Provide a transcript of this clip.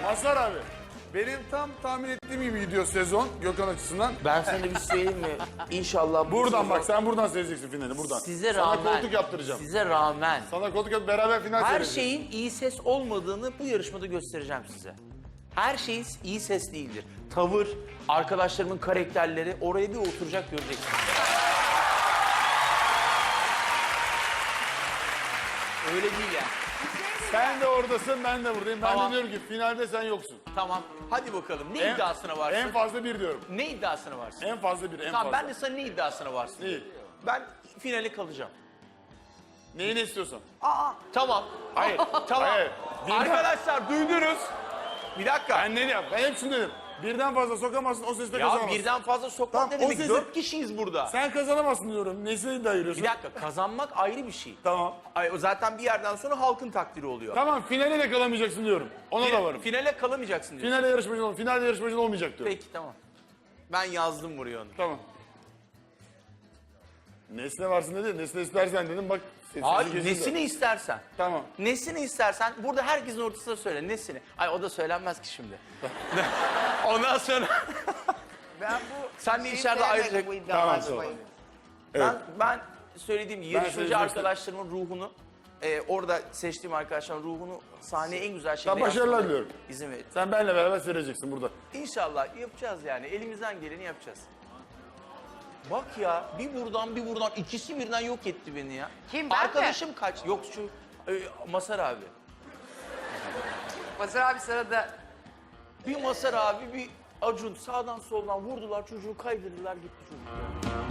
Mazhar abi, benim tam tahmin ettiğim gibi gidiyor sezon Gökhan açısından. Ben sana bir söyleyeyim mi? İnşallah bu Buradan sezon- bak, sen buradan seyredeceksin finali, buradan. Size Sana rağmen. koltuk yaptıracağım. Size rağmen. Sana koltuk yap, beraber final Her seyredeceğiz. şeyin iyi ses olmadığını bu yarışmada göstereceğim size. Her şey iyi ses değildir. Tavır, arkadaşlarımın karakterleri oraya bir oturacak göreceksiniz. Öyle değil yani. Sen de oradasın, ben de buradayım. Ben Tamam. de diyorum ki finalde sen yoksun. Tamam. Hadi bakalım. Ne iddiasına varsın? En fazla bir diyorum. Ne iddiasına varsın? En fazla bir, en Tamam fazla. ben de sana ne iddiasına varsın? Neyi? Ben finale kalacağım. Neyini istiyorsan. Tamam. Hayır. Tamam. Hayır. Arkadaşlar duydunuz. Bir dakika. Ben ne diyeyim? Ben hep şunu dedim. Birden fazla sokamazsın, o sesle Ya kazanamazsın. birden fazla sokmak Tamam, ne o demek? sesi- 4 kişiyiz burada. Sen kazanamazsın diyorum. Nesine iddia giriyorsun? Bir dakika kazanmak ayrı bir şey. Tamam. Ay, o zaten bir yerden sonra halkın takdiri oluyor. Tamam, finale de kalamayacaksın diyorum. Ona da varım. Finale kalamayacaksın diyor. Finalde yarışmacın ol, finalde yarışmacın olmayacak diyorum. Peki tamam. Ben yazdım buraya onu. Tamam. Nesne varsın dedi, nesne istersen dedim bak. sesi Hayır kesildi. nesini istersen. Tamam. Nesini istersen burada herkesin ortasında söyle nesini. Ay o da söylenmez ki şimdi. Ondan sonra Ben bu Sen de şeyi içeride sevmedim, ayrıca- bu iddiaları Tamam, sağ ol. koyun. ben söylediğim gibi yarışmacı söyleyeceğim. arkadaşlarımın ruhunu orada seçtiğim arkadaşların ruhunu sahneye en güzel şekilde başarılar yansıtmalarına diliyorum. İzin verin. Sen benimle beraber seyredeceksin burada. İnşallah yapacağız yani. Elimizden geleni yapacağız. Bak ya bir buradan ikisi birden yok etti beni ya. Kim, ben mi? Arkadaşım kaç? Yok şu Masar abi. Mazhar abi sırada. Bir Masar abi bir Acun sağdan soldan vurdular çocuğu kaydırdılar gitti çocuk.